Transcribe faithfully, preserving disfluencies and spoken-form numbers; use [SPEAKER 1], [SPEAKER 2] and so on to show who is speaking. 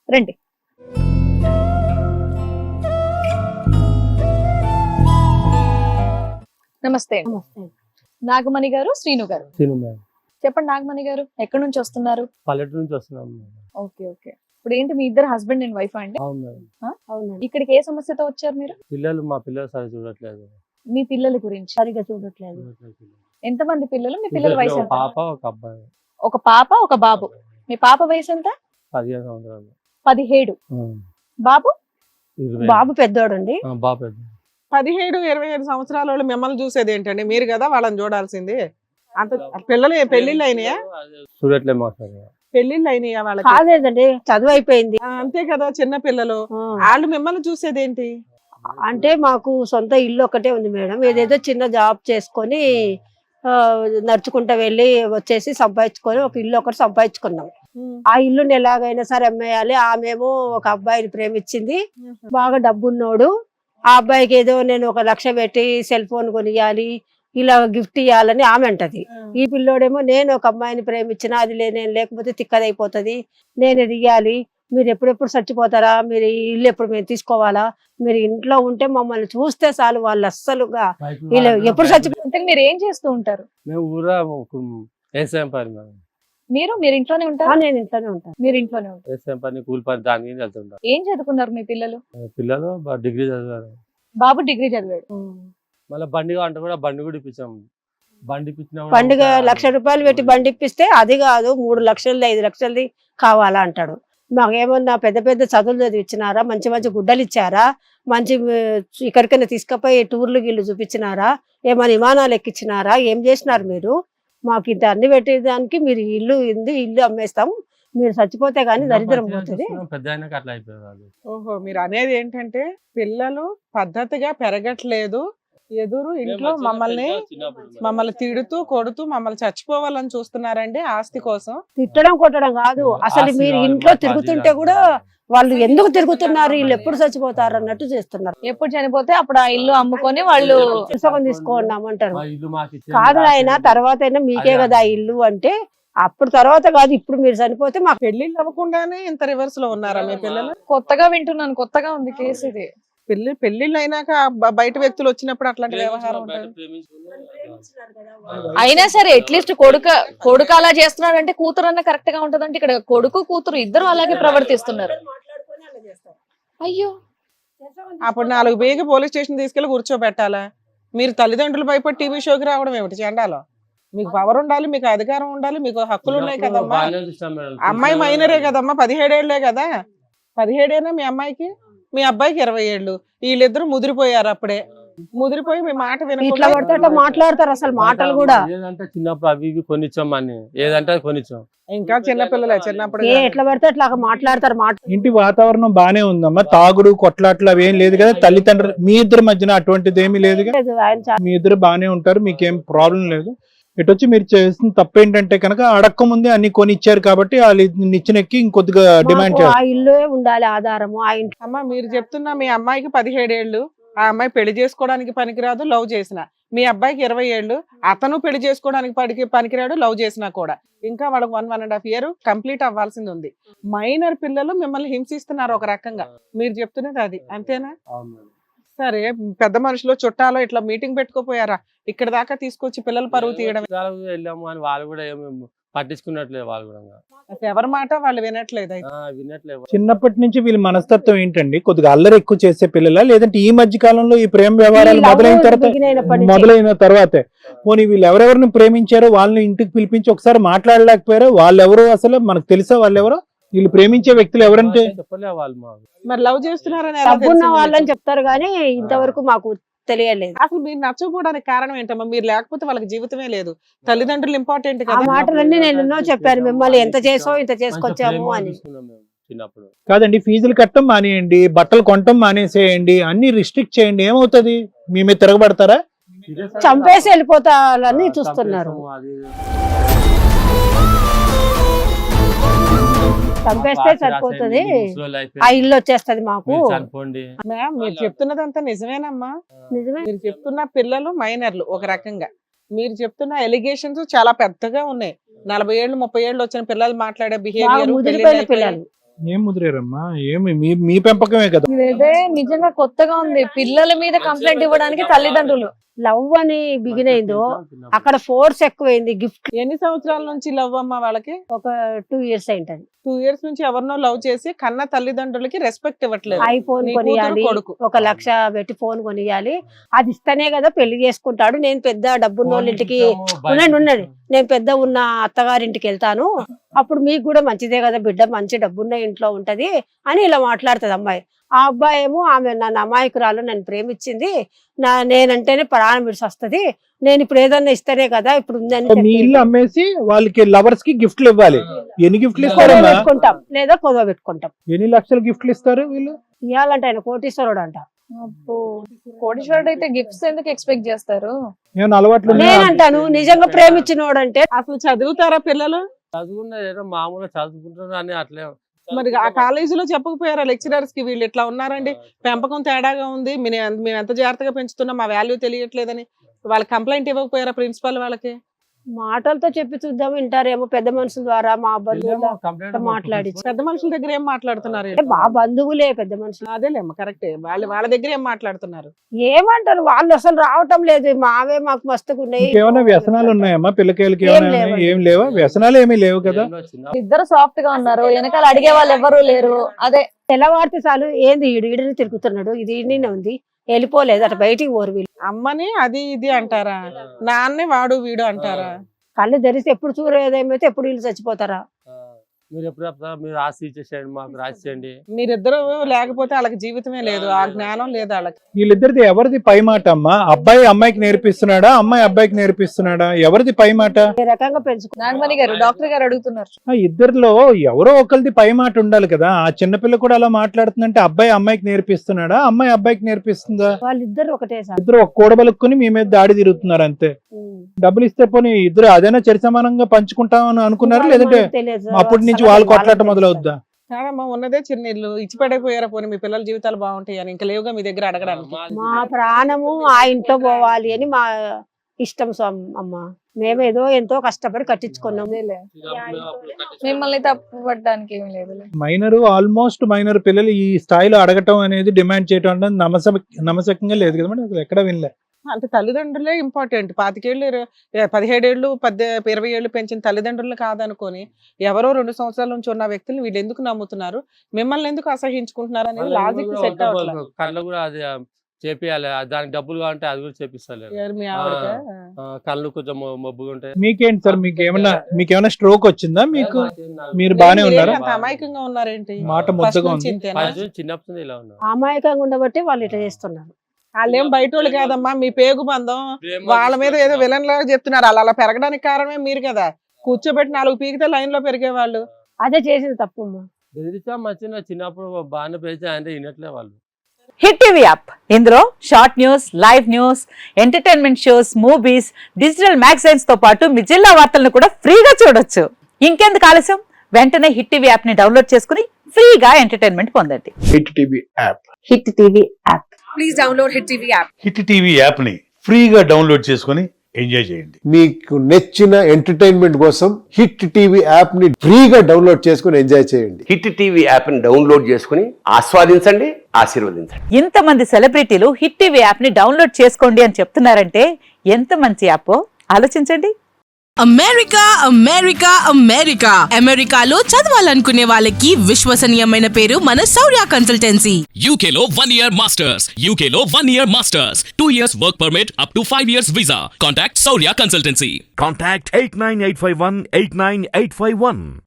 [SPEAKER 1] రండి. నమస్తే.
[SPEAKER 2] నమస్తే.
[SPEAKER 1] నాగమణి గారు, శ్రీను గారు.
[SPEAKER 3] శ్రీను మేడం.
[SPEAKER 1] చెప్పండి నాగమణి గారు, ఎక్కడి నుంచి వస్తున్నారు?
[SPEAKER 3] పల్లెటూరు నుంచి వస్తున్నాం మేడం.
[SPEAKER 1] Okay okay. ఇప్పుడు ఏంటి మీ ఇద్దరు హస్బెండ్ అండ్ వైఫ్ అండి?
[SPEAKER 3] అవును మేడం.
[SPEAKER 2] అవునండి.
[SPEAKER 1] ఇక్కడికి ఏ సమస్యతో వచ్చారు మీరు?
[SPEAKER 3] పిల్లలు మా పిల్లలు సరిగా చూడట్లేదు.
[SPEAKER 1] మీ పిల్లల గురించి.
[SPEAKER 2] సరిగా చూడట్లేదు.
[SPEAKER 3] చూడట్లేదు పిల్లలు.
[SPEAKER 1] ఎంత మంది పిల్లలు? మీ పిల్లల వయసు
[SPEAKER 3] ఒక
[SPEAKER 1] ఎంత?
[SPEAKER 3] పాప ఒక అబ్బాయి.
[SPEAKER 1] ఒక పాప ఒక బాబు. మీ పాప వయసు ఎంత?
[SPEAKER 3] పదిహేను సంవత్సరాలు.
[SPEAKER 1] పదిహేడు.
[SPEAKER 3] ఆ,
[SPEAKER 1] బాబు?
[SPEAKER 3] ఇరవై.
[SPEAKER 2] బాబు పెద్దోడండి.
[SPEAKER 3] ఆ, బాబు పెద్ద.
[SPEAKER 4] పదిహేడు ఇరవై ఐదు సంవత్సరాల వాళ్ళు మిమ్మల్ని చూసేది ఏంటండి? మీరు కదా వాళ్ళని చూడాల్సింది. అంత పిల్లలు పెళ్లిళ్ళు అయినాయా?
[SPEAKER 3] చూడట్లేదు మా సార్.
[SPEAKER 4] పెళ్లిళ్ళు అయినాయా వాళ్ళకి?
[SPEAKER 2] కాదేదండి, చదువు అయిపోయింది.
[SPEAKER 4] ఆ, అంతే కదా, చిన్న పిల్లలు.
[SPEAKER 2] ఆ,
[SPEAKER 4] వాళ్ళు మిమ్మల్ని చూసేది ఏంటి?
[SPEAKER 2] అంటే మాకు సొంత ఇల్లు ఒకటే ఉంది మేడం. ఏదేదో చిన్న జాబ్ చేసుకొని ఆ, నడుచుకుంటా వెళ్ళి వచ్చేసి సంపాదించుకొని ఒక ఇల్లు ఒకటి సంపాదించుకున్నాం. ఆ ఇల్లుని ఎలాగైనా సరే అమ్మేయాలి. ఆమెమో ఒక అబ్బాయిని ప్రేమించింది, బాగా డబ్బున్నోడు. ఆ అబ్బాయికి ఏదో నేను ఒక లక్ష పెట్టి సెల్ ఫోన్ కొనియాలి, ఇలా గిఫ్ట్ ఇవ్వాలని ఆమె అంటది. ఈ పిల్లోడేమో నేను ఒక అమ్మాయిని ప్రేమించిన, అది లే నేను లేకపోతే తిక్కదైపోతుంది, నేను ఇది ఇయ్యాలి, మీరు ఎప్పుడెప్పుడు చచ్చిపోతారా, మీరు ఈ ఇల్లు ఎప్పుడు మేము తీసుకోవాలా, మీరు ఇంట్లో ఉంటే మమ్మల్ని చూస్తే చాలు, వాళ్ళు అస్సలుగా వీళ్ళు ఎప్పుడు చచ్చిపో
[SPEAKER 1] అంటే మీరు ఏం చేస్తూ ఉంటారు?
[SPEAKER 3] మేము ఊరా వ్యవసాయం పని మేడం.
[SPEAKER 1] మీరు మీరు ఇంట్లోనే
[SPEAKER 2] ఆ,
[SPEAKER 1] ఉంటారు?
[SPEAKER 2] నేను ఇంట్లోనే ఉంటాను.
[SPEAKER 1] మీరు ఇంట్లోనే ఉంటారు.
[SPEAKER 3] వ్యవసాయం పని, కూలి పని, దానికి వెళ్తుంటారు.
[SPEAKER 1] ఏం చదువుకున్నారు మీ పిల్లలు?
[SPEAKER 3] పిల్లలు బా- డిగ్రీ చదివారు.
[SPEAKER 1] బాబు డిగ్రీ చదివాడు.
[SPEAKER 3] మళ్ళీ బండి అంటే కూడా బండి కూడా ఇప్పించాం. బండి ఇప్పించినా కూడా
[SPEAKER 2] పండుగ
[SPEAKER 3] ఇంకా
[SPEAKER 2] లక్ష రూపాయలు పెట్టి బండి ఇప్పిస్తే అది కాదు, మూడు లక్షలది ఐదు లక్షలది కావాలా అంటాడు. మాకేమన్నా పెద్ద పెద్ద చదువులు చదివిచ్చినారా, మంచి మంచి గుడ్డలు ఇచ్చారా, మంచి ఆ, ఇక్కడికైనా తీసుకుపోయి టూర్లు గిల్లు చూపించినారా, ఏమైనా విమానాలు ఎక్కించినారా, ఏం చేసినారు మీరు? మాకు ఇంత అన్ని పెట్టేదానికి మీరు ఇల్లు ఇంది ఇల్లు అమ్మేస్తాం, మీరు చచ్చిపోతే గానీ దరిద్రం
[SPEAKER 3] మంచిగా
[SPEAKER 2] పోతుంది.
[SPEAKER 3] చూస్తున్నాం, పెద్ద అయినాక అట్లా అయిపోయారు వాళ్ళు.
[SPEAKER 4] ఓహో, మీరు అనేది ఏంటంటే పిల్లలు పద్ధతిగా పెరగట్లేదు, ఎదురు ఇంట్లో
[SPEAKER 3] మేము
[SPEAKER 4] మమ్మల్ని
[SPEAKER 3] చిన్నప్పుడు చిన్నప్పుడు
[SPEAKER 4] మమ్మల్ని తిడుతూ కొడుతూ మమ్మల్ని చచ్చిపోవాలని చూస్తున్నారండి ఆస్తి కోసం.
[SPEAKER 2] తిట్టడం కొట్టడం కాదు, అసలు
[SPEAKER 3] ఆస్తి
[SPEAKER 2] మీరు
[SPEAKER 3] కావాలి,
[SPEAKER 2] ఇంట్లో
[SPEAKER 3] మాకు
[SPEAKER 2] తిరుగుతుంటే
[SPEAKER 3] అది
[SPEAKER 2] కూడా
[SPEAKER 3] కావాలి.
[SPEAKER 2] వాళ్ళు ఎందుకు తిరుగుతున్నారు, వీళ్ళు ఎప్పుడు చచ్చిపోతారు అన్నట్టు చేస్తున్నారు.
[SPEAKER 1] ఎప్పుడు చనిపోతే అప్పుడు ఆ ఇల్లు అమ్ముకొని వాళ్ళు
[SPEAKER 2] పుస్తకం తీసుకోండామంటారు.
[SPEAKER 3] మా ఇల్లు మాకు ఇచ్చేయండి,
[SPEAKER 2] కాదు
[SPEAKER 3] రాసి
[SPEAKER 2] ఆయన,
[SPEAKER 3] ఇవ్వండి.
[SPEAKER 2] తర్వాత అయినా మీకే
[SPEAKER 3] అదే
[SPEAKER 2] కదా ఆ ఇల్లు అంటే, అప్పుడు తర్వాత కాదు, ఇప్పుడు మీరు చనిపోతే మాకు
[SPEAKER 4] పెళ్లిళ్ళు అవ్వకుండానే ఇంత రివర్స్ లో ఉన్నారా మీ పిల్లలు?
[SPEAKER 1] కొత్తగా వింటున్నాను, కొత్తగా ఉంది కేసు ఇది.
[SPEAKER 4] పెళ్లి పెళ్లిళ్ళు అయినాక బ- బయట వ్యక్తులు వచ్చినప్పుడు అట్లాంటి వ్యవహారం ఉంటుంది.
[SPEAKER 1] అయినా సరే అట్లీస్ట్ కొడుక కొడుకు అలా చేస్తున్నాడు అంటే కూతురు అన్న కరెక్ట్ గా ఉంటదంటే ఇక్కడ కొడుకు కూతురు ఇద్దరు అలాగే ప్రవర్తిస్తున్నారు. అయ్యో,
[SPEAKER 4] అప్పుడు నాలుగు బేగి పోలీస్ స్టేషన్ తీసుకెళ్లి కూర్చోబెట్టాలా? మీరు తల్లిదండ్రులు భయపడి టీవీ షోకి రావడం ఏమిటి చెండాలో? మీకు పవర్ ఉండాలి, మీకు అధికారం ఉండాలి, మీకు హక్కులు ఉన్నాయి
[SPEAKER 3] చిన్నప్పుడు
[SPEAKER 4] కదమ్మా.
[SPEAKER 3] బాగానే చూస్తాం మేడం.
[SPEAKER 4] అమ్మాయి మైనరే కదమ్మా, పదిహేడేళ్లే కదా. పదిహేడేనా మీ అమ్మాయికి, మీ అబ్బాయికి ఇరవై ఏళ్ళు. వీళ్ళిద్దరు ముదిరిపోయారు అప్పుడే. ముదిరిపోయి మీ మాట
[SPEAKER 2] ఇట్లా
[SPEAKER 4] వినకుండా
[SPEAKER 2] పడితే అట్లా మాట్లాడతారు, అసలు మాటలు కూడా.
[SPEAKER 3] ఏదంటే చిన్నప్పుడు అవి ఇవి కొనిచ్చాం అని, ఏదంటే అది కొనిచ్చాం.
[SPEAKER 4] ఇంకా చిన్నపిల్లలే, చిన్నప్పుడు
[SPEAKER 2] ఏ ఎట్లా పడితే అట్లా మాట్లాడతారు మాట.
[SPEAKER 5] ఇంటి వాతావరణం బానే ఉందమ్మా, తాగుడు కొట్లాట్లు అవి ఏం లేదు కదా, తల్లిదండ్రులు మీ ఇద్దరి మధ్యన అటువంటిది ఏమీ లేదు కదా,
[SPEAKER 2] లేదు, ఆయన చాలా
[SPEAKER 5] మీ ఇద్దరు బానే ఉంటారు, మీకేం ప్రాబ్లం లేదు. ఇటు వచ్చి మీరు చేసిన తప్పు ఏంటంటే కనుక అడక్క ముందే అన్ని కొని ఇచ్చారు కాబట్టి వాళ్ళు నిచ్చినెక్కి ఇంకొద్దిగా డిమాండ్
[SPEAKER 2] మాకు ఆ
[SPEAKER 5] చేస్తారు.
[SPEAKER 2] ఇల్లు ఉండాలి ఆధారము, ఆ ఇంట్లో
[SPEAKER 4] అమ్మా మీరు చెప్తున్నా మీ అమ్మాయికి పదిహేడేళ్లు, ఆ అమ్మాయి పెళ్లి చేసుకోవడానికి పనికిరాదు, లవ్ చేసిన. మీ అబ్బాయికి ఇరవై ఏళ్ళు, అతను పెళ్లి చేసుకోవడానికి పనికి పనికిరాడు, లవ్ చేసినా కూడా. ఇంకా వాళ్ళకి one one and half year complete అవ్వాల్సింది ఉంది. మైనర్ పిల్లలు మిమ్మల్ని హింసిస్తున్నారు ఒక రకంగా, మీరు చెప్తున్నది అది అంతేనా?
[SPEAKER 3] అవును మేడం.
[SPEAKER 4] సరే, పెద్ద మనుషులు చుట్టాలో ఇట్లా మీటింగ్ పెట్టుకోపోయారా? ఇక్కడ దాకా తీసుకొచ్చి పిల్లల పరువు తీయడం.
[SPEAKER 3] విదేశాలకు వెళ్ళాము అని వాళ్ళు కూడా ఏమి పట్టించుకున్నట్లేదు, వాళ్ళు కూడా
[SPEAKER 4] అసలు ఎవరి మాట వాళ్ళు వినట్లేదు అయితే.
[SPEAKER 3] ఆ, వినట్లేదు.
[SPEAKER 5] చిన్నప్పటి నుంచి వీళ్ళ మనస్తత్వం ఏంటండి, కొద్దిగా అల్లరి ఎక్కువ చేసే పిల్లల, లేదంటే ఈ మధ్య కాలంలో ఈ ప్రేమ వ్యవహారాలు
[SPEAKER 2] ఈ లవ్
[SPEAKER 5] మొదలైన తర్వాత
[SPEAKER 2] బిగినైనప్పటి నుంచి.
[SPEAKER 5] మొదలైన తర్వాతే పోనీ వీళ్ళు ఎవరెవరిని ప్రేమించారో వాళ్ళని ఇంటికి పిలిపించి ఒకసారి మాట్లాడలేకపోయారో, వాళ్ళు ఎవరు అసలు మనకు తెలుసా, వాళ్ళు ఎవరో, వీళ్ళు ప్రేమించే వ్యక్తులు ఎవరంటే
[SPEAKER 3] చెప్పలే వాళ్ళు మాకు.
[SPEAKER 4] మరి లవ్ చేస్తున్నారని ఎలా
[SPEAKER 2] డబ్బున్న
[SPEAKER 4] తెలిసింది
[SPEAKER 2] వాళ్ళని
[SPEAKER 4] మీకు?
[SPEAKER 2] చెప్తారు కానీ ఇంతవరకు మాకు తెలియలేదు.
[SPEAKER 4] అసలు మీరు నచ్చకపోవడానికి కారణం ఏంటమ్మా? మీరు లేకపోతే వాళ్ళకి జీవితమే లేదు. తల్లిదండ్రులు ఇంపార్టెంట్
[SPEAKER 2] ఆ
[SPEAKER 4] కదా.
[SPEAKER 2] మాటలన్నీ నేను ఎన్నో చెప్పాను, మిమ్మల్ని ఎంత చేసో ఇంత చేసుకొచ్చాము
[SPEAKER 3] మంచి
[SPEAKER 2] అని.
[SPEAKER 3] ప్రేమ చూసుకున్నాం మేము చిన్నప్పుడు.
[SPEAKER 5] కాదండి, ఫీజులు కట్టడం మానేయండి, బట్టలు కొనటం మానేసేయండి, అన్ని రిస్ట్రిక్ట్ చేయండి, ఏమవుతుంది? మీ మీద తిరగబడతారా?
[SPEAKER 2] చంపేసి వెళ్ళిపోతారని చూస్తున్నారు.
[SPEAKER 3] అది
[SPEAKER 2] చంపేస్తే సరిపోతుంది, ఆ ఇల్లు వచ్చేస్తది మాకు.
[SPEAKER 3] చనిపోండి.
[SPEAKER 4] మ్యామ్ మీరు చెప్తున్నదంతా నిజమేనమ్మా.
[SPEAKER 2] నిజమే.
[SPEAKER 4] మీరు చెప్తున్న పిల్లలు మైనర్లు ఒక రకంగా, మీరు చెప్తున్న ఎలిగేషన్స్ చాలా పెద్దగా ఉన్నాయి. నలభై ఏళ్ళు ముప్పై ఏళ్ళు వచ్చిన పిల్లలు మాట్లాడే
[SPEAKER 2] బాగా
[SPEAKER 4] బిహేవియర్,
[SPEAKER 2] ముదిరిపోయిన పిల్లలు.
[SPEAKER 5] ఏం ముదిరారమ్మా? ఏమి మీ మీ పెంపకమే కదా.
[SPEAKER 1] ఇదైతే నిజంగా కొత్తగా ఉంది. పిల్లల మీద కంప్లైంట్ ఇవ్వడానికి తల్లిదండ్రులు.
[SPEAKER 2] లవ్ అని బిగిన్ అయిందో అక్కడ ఫోర్స్ ఎక్కువైంది. గిఫ్ట్
[SPEAKER 4] ఎన్ని సంవత్సరాల నుంచి లవ్ అమ్మా వాళ్ళకి?
[SPEAKER 2] ఒక టూ ఇయర్స్ అయింటది.
[SPEAKER 4] టూ ఇయర్స్ నుంచి ఎవరినో లవ్ చేసి కన్న తల్లిదండ్రులకి రెస్పెక్ట్ ఇవ్వట్లేదు.
[SPEAKER 2] ఐఫోన్
[SPEAKER 4] నీ కూతురు,
[SPEAKER 2] కొనియాలి,
[SPEAKER 4] కొడుకు.
[SPEAKER 2] ఒక లక్ష పెట్టి ఫోన్ కొనియాలి. అది ఇస్తేనే కదా పెళ్లి చేసుకుంటాడు. నేను పెద్ద డబ్బున్న వాళ్ళ ఇంటికి ఉండండి ఉండండి నేను పెద్ద ఉన్న అత్తగారింటికి వెళ్తాను, అప్పుడు మీకు కూడా మంచిదే కదా బిడ్డ, మంచి డబ్బున్న ఇంట్లో ఉంటది అని ఇలా మాట్లాడుతుంది అమ్మాయి. ఆ అబ్బాయి ఏమో ఆమె నన్ను అమాయకురాలు, నన్ను ప్రేమించింది, నా నేనంటేనే ప్రాణం విడిసొస్తది, నేను ఇప్పుడు ఏదన్నా ఇస్తేనే కదా ఇప్పుడు ఉందని
[SPEAKER 5] మీ ఇల్లు అమ్మేసి వాళ్ళకి లవర్స్ కి గిఫ్ట్లు ఇవ్వాలి. ఎన్ని గిఫ్ట్లు
[SPEAKER 2] కొదవ
[SPEAKER 5] ఇస్తారమ్మా?
[SPEAKER 2] పెట్టుకుంటాం లేదా కొదవ పెట్టుకుంటాం.
[SPEAKER 5] ఎన్ని లక్షలు గిఫ్ట్లు ఇస్తారు వీళ్ళు?
[SPEAKER 2] ఇవ్వాలంటే ఆయన కోటీశ్వరుడు అంట.
[SPEAKER 1] అబ్బో, కోటీశ్వరుడు అయితే గిఫ్ట్స్ ఎందుకు ఎక్స్పెక్ట్ చేస్తారు?
[SPEAKER 5] ఏమైనా అలవాట్లు ఉన్నాయా?
[SPEAKER 2] నేనంటాను నిజంగా ప్రేమించినోడు అంటే
[SPEAKER 4] అసలు చదువుతారా పిల్లలు?
[SPEAKER 3] చదువుకున్న ఏదో మామూలుగా చదువుకుంటున్నారు అని అట్లే.
[SPEAKER 4] మరి ఆ కాలేజీలో చెప్పకపోయారా లెక్చరర్స్ కి వీళ్ళు ఇట్లా ఉన్నారండి, పెంపకం తేడాగా ఉంది, మేము మేము ఎంత జాగ్రత్తగా పెంచుతున్నాం, మా వాల్యూ తెలియట్లేదని వాళ్ళకి కంప్లైంట్ ఇవ్వకపోయారా ప్రిన్సిపల్ వాళ్ళకి?
[SPEAKER 2] మాటలతో చెప్పి చూద్దాం వింటారేమో, పెద్ద మనుషుల ద్వారా మా బంధువుల మాట్లాడి
[SPEAKER 4] పెద్ద మనుషుల దగ్గర ఏం మాట్లాడుతున్నారు?
[SPEAKER 2] అంటే మా బంధువులే పెద్ద మనుషులు.
[SPEAKER 4] అదేలేమ్మా కరెక్టే, వాళ్ళు వాళ్ళ దగ్గర ఏం మాట్లాడుతున్నారు?
[SPEAKER 2] ఏమంటారు వాళ్ళు అసలు రావటం లేదు, మావే మాకు మస్తుగా ఉన్నాయి.
[SPEAKER 5] ఏమైనా వ్యసనాలు ఉన్నాయమ్మా పిల్లకాయలకి?
[SPEAKER 2] ఏం
[SPEAKER 5] ఏమైనా
[SPEAKER 2] లేవండి.
[SPEAKER 5] ఏం లేవా? వ్యసనాలు ఏమీ లేవు కదా.
[SPEAKER 1] ఇద్దరు సాఫ్ట్ గా ఉన్నారు, వెనకాల అడిగే వాళ్ళు ఎవరు లేరు. అదే
[SPEAKER 2] తెల్లవారితే చాలు ఏంది ఈడు ఈడని తిరుగుతున్నాడు, ఇది ఈడనే ఉంది, వెళ్ళిపోలేదు అటు బయటికి ఓరు వీళ్ళు.
[SPEAKER 4] అమ్మని అది ఇది అంటారా, నాన్నే వాడు వీడు అంటారా?
[SPEAKER 2] కళ్ళు తెరిస్తే ఎప్పుడు చూడేదేమైతే ఎప్పుడు వీళ్ళు చచ్చిపోతారా?
[SPEAKER 3] మీరు ఎప్పుడు చెప్తారా మీరు రాసి ఇచ్చేసేయండి, మాకు రాసి చేయండి.
[SPEAKER 4] మీరిద్దరు లేకపోతే వాళ్ళకి జీవితమే లేదు, ఆ జ్ఞానం లేదు వాళ్ళకి.
[SPEAKER 5] వీళ్ళిద్దరిది ఎవరిది పై మాట అమ్మా? అబ్బాయి అమ్మాయికి నేర్పిస్తున్నాడా, అమ్మాయి అబ్బాయికి నేర్పిస్తున్నాడా? ఎవరిది పై మాట?
[SPEAKER 2] ఏ రకంగా పెంచుకో
[SPEAKER 1] నాగమణి గారు డాక్టర్ గారు అడుగుతున్నారు.
[SPEAKER 5] ఆ ఇద్దరిలో ఎవరో ఒకరిది పై మాట ఉండాలి కదా. ఆ చిన్నపిల్ల కూడా అలా మాట్లాడుతుందంటే అబ్బాయి అమ్మాయికి నేర్పిస్తున్నాడా, అమ్మాయి అబ్బాయికి నేర్పిస్తుందా?
[SPEAKER 2] వాళ్ళిద్దరు ఒకటే సార్.
[SPEAKER 5] ఇద్దరు ఒక కూడబలుక్కుని మీ మీద దాడి తిరుగుతున్నారు అంతే. డబ్బులు ఇస్తే పోనీ ఇద్దరు అదైనా చరి సమానంగా పంచుకుంటామని అనుకున్నారా, లేదంటే అప్పటి నుంచి వాళ్ళు కొట్లాట మొదలవుద్దా?
[SPEAKER 4] కాదమ్మా, ఉన్నదే చిన్న ఇల్లు, ఇచ్చి పడైపోయారా పోనీ మీ పిల్లల జీవితాలు బాగుంటాయి అని? ఇంకా లేవుగా మీ దగ్గర అడగడానికి.
[SPEAKER 2] మా ప్రాణము ఆ ఇంట్లో పోవాలి అని మా ఇష్టం స్వామి అమ్మ. మేమేదో ఎంతో కష్టపడి కట్టించుకున్నాం.
[SPEAKER 1] మిమ్మల్ని తప్పు పట్టడానికి ఏమి లేదు.
[SPEAKER 5] మైనర్ ఆల్మోస్ట్ మైనర్ పిల్లలు ఈ స్థాయిలో అడగటం అనేది, డిమాండ్ చేయటం అనేది నమస నమసకంగా లేదు కదా మేడం, అసలు ఎక్కడ వినలే.
[SPEAKER 4] అంటే తల్లిదండ్రులే ఇంపార్టెంట్. పాతికేళ్ళు ఇరవై- పదిహేడేళ్ళు పద్దె ఇరవై ఏళ్ళు పెంచిన తల్లిదండ్రులు కాదనుకొని ఎవరో రెండు సంవత్సరాల నుంచి ఉన్న వ్యక్తులు వీళ్ళు ఎందుకు నమ్ముతున్నారు, మిమ్మల్ని ఎందుకు అసహించుకుంటున్నారు అనేది లాజిక్ సెట్ అవ్వట్లేదు.
[SPEAKER 3] కళ్ళు కూడా అది చేపియాలి, దానికి డబ్బులు కావాలంటే అది కూడా చేపిస్తాను.
[SPEAKER 4] ఎవరు మీ ఆవిడకా?
[SPEAKER 3] కళ్ళు కొంచెం మొ- మొబ్బుగా ఉంటాయి.
[SPEAKER 5] మీకేంటి సార్, మీకు ఏమన్నా మీకు ఏమైనా స్ట్రోక్ వచ్చిందా? మీకు మీరు బానే
[SPEAKER 4] మీరు
[SPEAKER 5] ఉన్నారా?
[SPEAKER 4] అంత అమాయకంగా ఉన్నారేంటి?
[SPEAKER 5] మాట
[SPEAKER 4] ఫస్ట్
[SPEAKER 5] ముద్దగా
[SPEAKER 4] నుంచి
[SPEAKER 5] ఉంది.
[SPEAKER 4] ఇంతేనా?
[SPEAKER 3] చిన్నప్పటి నుంచి ఇలా ఉన్నా.
[SPEAKER 2] అమాయకంగా ఉండబట్టి వాళ్ళు ఇట్లా చేస్తున్నారు.
[SPEAKER 4] వాళ్ళేం బయట వాళ్ళు కాదమ్మా, మీ పేగు బంధం. వాళ్ళ మీద ఏదో విలన్ లాగా చెప్తున్నారు. అలా అలా పెరగడానికి కారణమే మీరు కదా. కూర్చోబెట్టి నాలుగు పీకితే లైన్ లో పెరిగేవాళ్ళు.
[SPEAKER 2] అదే చేసింది తప్పమ్మా.
[SPEAKER 3] బెదిరించా మచ్చిన చిన్నప్పుడు బాగానే పెంచా అంటే వినట్లే వాళ్ళు.
[SPEAKER 6] హిట్ టీవీ యాప్ ఇందులో short news, live news, entertainment shows, movies, digital magazines తో పాటు మీ జిల్లా వార్తలను కూడా ఫ్రీగా చూడొచ్చు. ఇంకెందుకు ఆలస్యం, వెంటనే హిట్ టీవీ యాప్ ని డౌన్లోడ్ చేసుకుని ఫ్రీగా ఎంటర్టైన్మెంట్ పొందండి.
[SPEAKER 7] Hit TV app
[SPEAKER 6] hit TV app.
[SPEAKER 8] Please download hit TV app.
[SPEAKER 9] Hit TV app ని ఫ్రీగా డౌన్లోడ్ చేసుకొని ఎంజాయ్ చేయండి.
[SPEAKER 7] మీకు నచ్చిన ఎంటర్టైన్మెంట్ కోసం హిట్ టీవీ యాప్ ని ఫ్రీగా డౌన్లోడ్ చేసుకొని ఎంజాయ్ చేయండి.
[SPEAKER 10] హిట్ టీవీ యాప్ ని డౌన్లోడ్ చేసుకుని ఆస్వాదించండి, ఆశీర్వదించండి.
[SPEAKER 6] ఇంతమంది సెలబ్రిటీలు హిట్ టీవీ యాప్ ని డౌన్లోడ్ చేసుకోండి అని చెప్తున్నారంటే ఎంత మంచి యాప్ ఆలోచించండి.
[SPEAKER 8] అమెరికా అమెరికా అమెరికా అమెరికాలో చదవాలనుకునే వాళ్ళకి విశ్వసనీయమైన పేరు మన శౌర్య కన్సల్టెన్సీ.
[SPEAKER 11] యూకేలో వన్ ఇయర్ మాస్టర్స్ యూకేలో one year masters two years work permit up to five years visa. Contact Shaurya consultancy.
[SPEAKER 9] Contact eight nine eight five one eight nine eight five one.